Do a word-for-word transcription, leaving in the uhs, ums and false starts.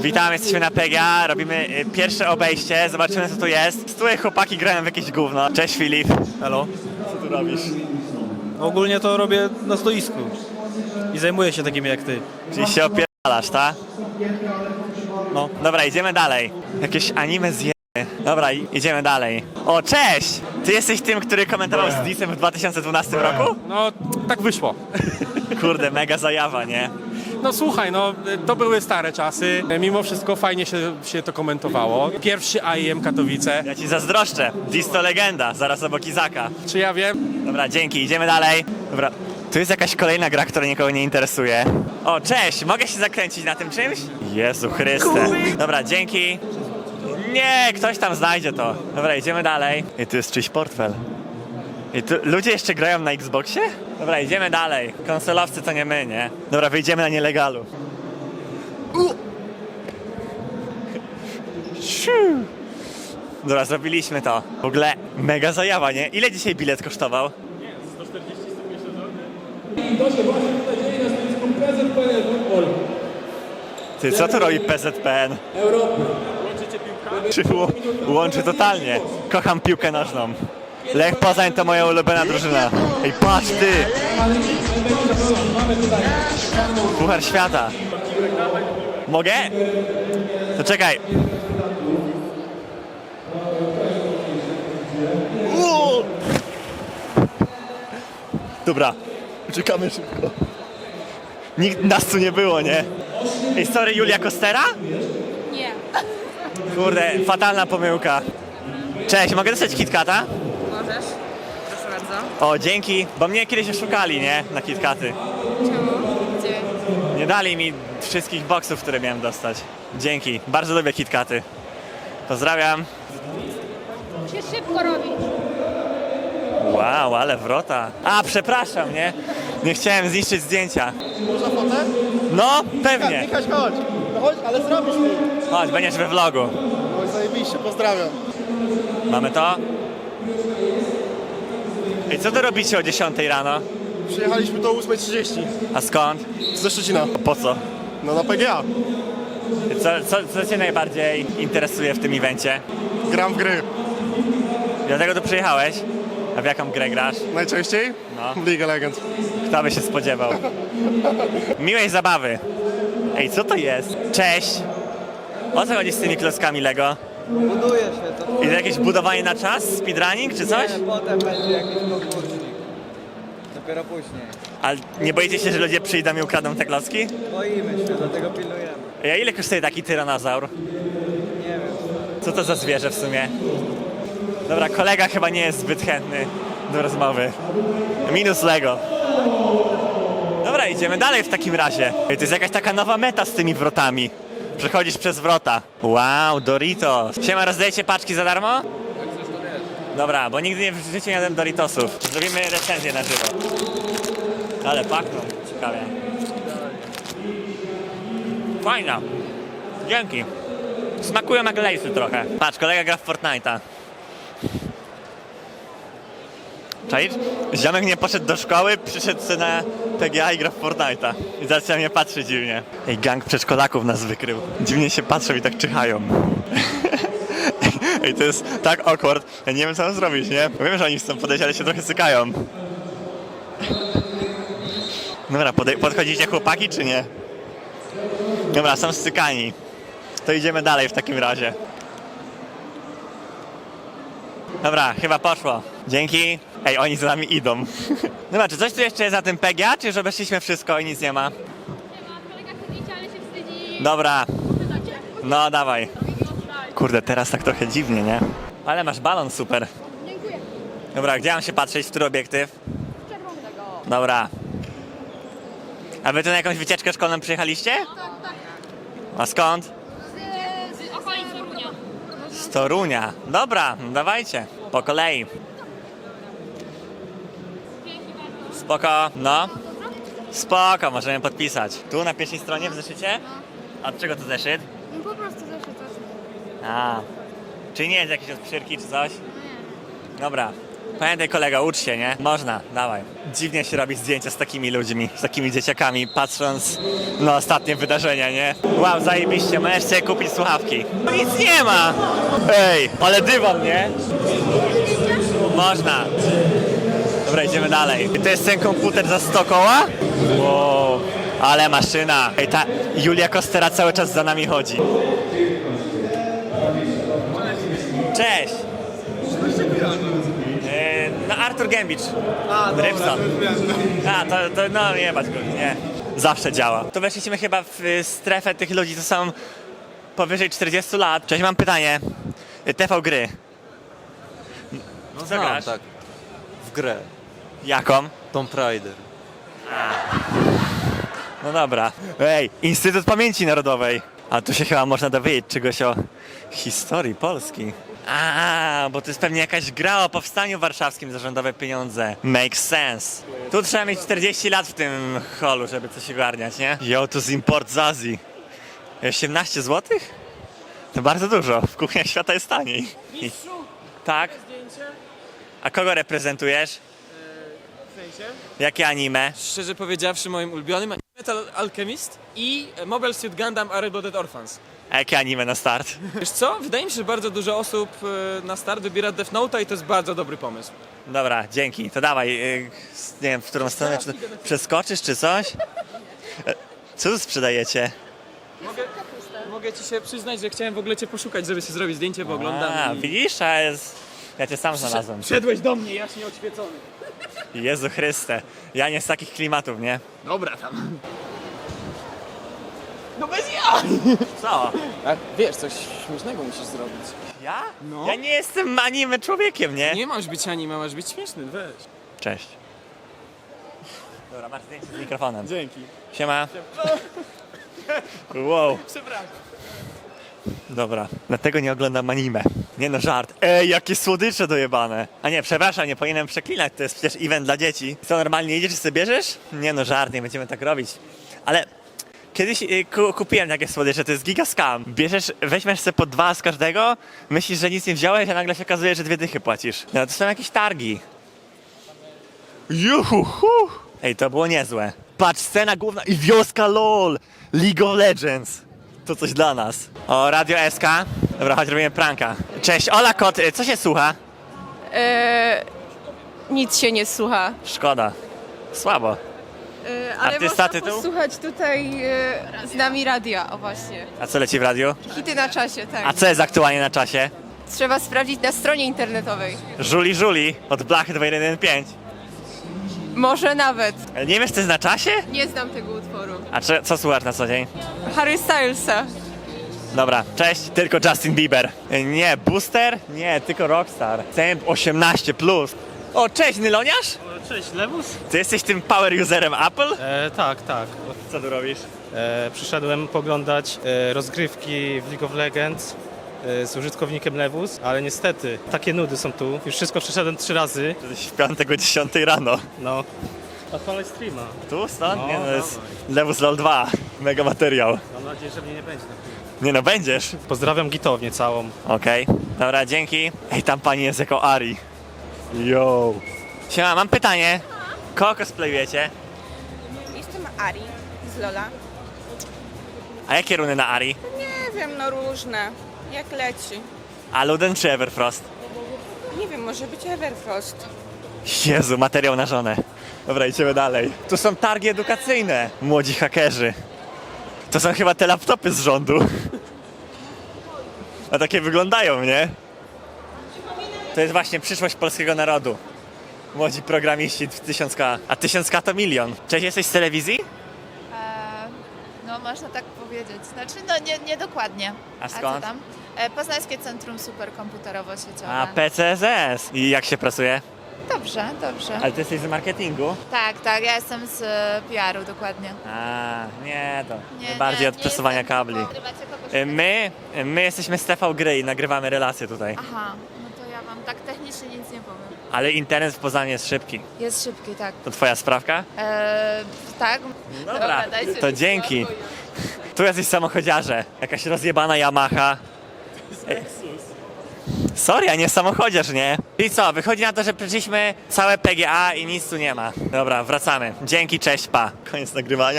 Witam, jesteśmy na P G A, robimy y, pierwsze obejście, zobaczymy co tu jest. Stuje chłopaki grają w jakieś gówno. Cześć Filip. Halo. Co tu robisz? Ogólnie to robię na stoisku i zajmuję się takimi jak ty. Czyli się opierdalasz, tak? No. Dobra, idziemy dalej. Jakieś anime zje... Dobra, i- idziemy dalej. O, cześć! Ty jesteś tym, który komentował z Disem w dwa tysiące dwunastym roku? No, tak wyszło. Kurde, mega zajawa, nie? No słuchaj, no to były stare czasy. Mimo wszystko fajnie się, się to komentowało. Pierwszy I E M Katowice. Ja ci zazdroszczę. Dis to legenda, zaraz obok Izaka. Czy ja wiem? Dobra, dzięki, idziemy dalej. Dobra, tu jest jakaś kolejna gra, która nikogo nie interesuje. O, cześć, mogę się zakręcić na tym czymś? Jezu Chryste. Dobra, dzięki. Nie, ktoś tam znajdzie to. Dobra, idziemy dalej. I tu jest czyjś portfel. I tu ludzie jeszcze grają na Xboxie? Dobra, idziemy dalej. Konsolowcy to nie my, nie? Dobra, wyjdziemy na nielegalu. U! Siu! Dobra, zrobiliśmy to. W ogóle mega zajawa, nie? Ile dzisiaj bilet kosztował? Ty, co tu robi P Z P N? Czy ł- łączy totalnie. Kocham piłkę nożną. Lech Poznań to moja ulubiona drużyna. Ej, patrz ty! Puchar świata. Mogę? To czekaj. Uuu! Dobra, czekamy szybko. Nikt nas tu nie było, nie? Ej, sorry, Julia Kostera? Nie. Kurde, fatalna pomyłka. Cześć, mogę dostać KitKata? Możesz? Proszę bardzo. O, dzięki, bo mnie kiedyś oszukali, nie? Na KitKaty. Czemu? Gdzie? Nie dali mi wszystkich boksów, które miałem dostać. Dzięki, bardzo lubię KitKaty. Pozdrawiam. Się szybko robi. Wow, ale wrota. A, przepraszam, nie? Nie chciałem zniszczyć zdjęcia. Można fotę? No, pewnie. Michaś, chodź. No chodź, ale zrobisz mi. Chodź, będziesz we vlogu. Oj, zajebiście, pozdrawiam. Mamy to? Ej, co tu robicie o dziesiątej rano? Przyjechaliśmy do ósmej trzydzieści A skąd? ze Szczecina. Po co? No na P G A. Co, co, co cię najbardziej interesuje w tym evencie? Gram w gry. Dlatego tu przyjechałeś? A w jaką grę grasz? Najczęściej? No. W League of Legends. Kto by się spodziewał? Miłej zabawy. Ej, co to jest? Cześć! O co chodzi z tymi klockami Lego? Buduje się to. Jest jakieś budowanie na czas? Speedrunning czy coś? Nie, potem będzie jakiś konkursik. Dopiero później. Ale nie boicie się, że ludzie przyjdą i ukradną te klocki? Boimy się, dlatego pilnujemy. Ej, a ile kosztuje taki tyranozaur? Nie wiem. Co to za zwierzę w sumie? Dobra, kolega chyba nie jest zbyt chętny do rozmowy. Minus Lego. Dobra, idziemy dalej w takim razie. Ej, to jest jakaś taka nowa meta z tymi wrotami. Przechodzisz przez wrota. Wow, Doritos. Siema, rozdajecie paczki za darmo? Dobra, bo nigdy nie, w życiu nie jadłem Doritosów. Zrobimy recenzję na żywo. Ale pachną, ciekawie. Fajna. Dzięki. Smakują jak lejsy trochę. Patrz, kolega gra w Fortnite'a. Czaisz? Ziomek nie poszedł do szkoły, przyszedł sobie na P G A i gra w Fortnite'a. I zaczął mnie patrzeć dziwnie. Ej, gang przedszkolaków nas wykrył. Dziwnie się patrzą i tak czyhają. Ej, to jest tak awkward. Ja nie wiem, co mam zrobić, nie? Wiem, że oni chcą podejść, ale się trochę sykają. Dobra, podej- podchodzicie chłopaki, czy nie? Dobra, są stykani. To idziemy dalej w takim razie. Dobra, chyba poszło. Dzięki. Ej, oni za nami idą. Dobra, czy coś tu jeszcze jest na tym P G A, czy już obeszliśmy wszystko i nic nie ma? Nie ma, kolega chce zdjęcia, ale się wstydzi. Dobra, Pytacie? no dawaj. Kurde, teraz tak trochę dziwnie, nie? Ale masz balon super. Dziękuję. Dobra, gdzie mam się patrzeć, w który obiektyw? Czerwonego. Dobra. A wy tu na jakąś wycieczkę szkolną przyjechaliście? Tak, tak. A skąd? Z, z okolic Torunia. Z Torunia. Dobra, no dawajcie. Po kolei. Spoko, no. Spoko, możemy podpisać. Tu na pierwszej stronie w zeszycie? A od czego to zeszyt? No po prostu zeszyt. A. Czy nie jest jakieś od pszyrki czy coś? Dobra. Pamiętaj kolega, ucz się, nie? Można, dawaj. Dziwnie się robi zdjęcia z takimi ludźmi, z takimi dzieciakami, patrząc na ostatnie wydarzenia, nie? Wow, zajebiście, możesz sobie kupić słuchawki. No nic nie ma! Ej, ale dywan, nie? Można. Dobra, idziemy dalej. To jest ten komputer za sto koła? Wow, ale maszyna. Ej, ta Julia Kostera cały czas za nami chodzi. Cześć! E, No Artur Gębicz. A, Rybson. A, to, to no nie bać go, nie. Zawsze działa. To weszliśmy chyba w y, strefę tych ludzi, co są powyżej czterdziestu lat. Cześć, mam pytanie. Y, T V gry. No Co znam, grasz? tak. W grę. Jaką? Tomb Raider. No dobra. Ej, Instytut Pamięci Narodowej. A tu się chyba można dowiedzieć czegoś o historii Polski. A, bo to jest pewnie jakaś gra o powstaniu warszawskim za rządowe pieniądze. Makes sense. Tu trzeba mieć czterdzieści lat w tym holu, żeby coś ogarniać, nie? Jo, to z import z Azji. osiemnaście złotych? To bardzo dużo. W kuchniach świata jest taniej. I... Tak? A kogo reprezentujesz? W sensie? Jakie anime? Szczerze powiedziawszy, moim ulubionym Metal Alchemist i Mobile Suit Gundam A Reblooded Orphans. A jakie anime na start? Wiesz co? Wydaje mi się, że bardzo dużo osób e, na start wybiera Death Note'a i to jest bardzo dobry pomysł. Dobra, dzięki. To dawaj, yy, nie wiem, w którą stronę, czy to przeskoczysz, czy coś? E, Co tu sprzedajecie? Mogę, mogę ci się przyznać, że chciałem w ogóle cię poszukać, żeby się zrobić zdjęcie, bo oglądam A, i... widzisz? A jest... Ja cię sam znalazłem. Wszedłeś do mnie, jaśnie oświecony. Jezu Chryste. Ja nie z takich klimatów, nie? Dobra tam. No bez ja! Co? A, wiesz, coś śmiesznego musisz zrobić. Ja? No. Ja nie jestem anime człowiekiem, nie? Nie masz być anime, masz być śmieszny, weź. Cześć. Dobra, masz zdjęcie z mikrofonem. Dzięki. Siema. Wow. Przepraszam. Dobra, dlatego nie oglądam anime. Nie no, żart. Ej, jakie słodycze dojebane. A nie, przepraszam, nie powinienem przeklinać, to jest przecież event dla dzieci. Co, normalnie idziesz i sobie bierzesz? Nie no, żart, nie będziemy tak robić. Ale kiedyś y, ku, kupiłem takie słodycze, to jest giga scam. Bierzesz, weźmiesz sobie po dwa z każdego, myślisz, że nic nie wziąłeś, a nagle się okazuje, że dwie dychy płacisz. No to są jakieś targi. Juhu! Ej, to było niezłe. Patrz, scena główna i wioska LOL! League of Legends. To coś dla nas. O, Radio S K. Dobra, chodź, robimy pranka. Cześć, Ola Kot, y, co się słucha? Eee, nic się nie słucha. Szkoda. Słabo. Eee, ale Artysta, można tytuł? posłuchać tutaj e, z nami radia, o właśnie. A co leci w radiu? Hity na czasie, tak. A co jest aktualnie na czasie? Trzeba sprawdzić na stronie internetowej. Żuli Żuli od Blachy dwa jeden jeden pięć. Może nawet. Ale nie wiesz, co jest na czasie? Nie znam tego utworu. A czy, co słuchasz na co dzień? Harry Stylesa. Dobra, cześć, tylko Justin Bieber. Y, Nie, Booster? Nie, tylko Rockstar. Temp osiemnaście plus. O, cześć, Nyloniarz? Cześć, Lewus? Ty jesteś tym power userem Apple? E, tak, tak. Co tu robisz? E, przyszedłem poglądać e, rozgrywki w League of Legends e, z użytkownikiem Lewus, ale niestety takie nudy są tu. Już wszystko przeszedłem trzy razy. Jesteś w piątek dziesiątej rano. No. Odpalaj streama. Tu, stąd? No, Nie, no, jest dawaj. Lewus LOL dwa. Mega materiał. Mam nadzieję, że mnie nie będzie na chwilę. Nie no, będziesz. Pozdrawiam gitownię całą. Okej, dobra, dzięki. Ej, tam pani jest jako Ari. Yo. Siema, mam pytanie. Kogo cosplayujecie? Jestem Ari z Lola. A jakie runy na Ari? Nie wiem, no różne. Jak leci. A Luden czy Everfrost? Nie wiem, może być Everfrost. Jezu, materiał na żonę. Dobra, idziemy dalej. Tu są targi edukacyjne. Młodzi hakerzy. To są chyba te laptopy z rządu. A takie wyglądają, nie? To jest właśnie przyszłość polskiego narodu. Młodzi programiści w tysiąc K. A tysiąc K to milion. Cześć, jesteś z telewizji? Eee, no można tak powiedzieć. Znaczy no nie, nie dokładnie. A co skąd? tam? E, Poznańskie Centrum Superkomputerowo-Sieciowe. A, P C Z S. I jak się pracuje? Dobrze, dobrze. Ale ty jesteś z marketingu? Tak, tak, ja jestem z e, P R u dokładnie. A, nie, to Nie, bardziej nie, od nie przesuwania jestem, kabli. tylko nagrywacie kogoś Y, My, my jesteśmy z T V Gry i nagrywamy relacje tutaj. Aha, no to ja wam tak technicznie nic nie powiem. Ale internet w Poznaniu jest szybki. Jest szybki, tak. To twoja sprawka? Eee, tak? Dobra, dajcie to mi dzięki. spokój. Tu jacyś samochodziarze. Jakaś rozjebana Yamaha. Ej, Sorry, a nie samochodziarz, nie? I co, wychodzi na to, że przeszliśmy całe P G A i nic tu nie ma. Dobra, wracamy. Dzięki, cześć, pa. Koniec nagrywania.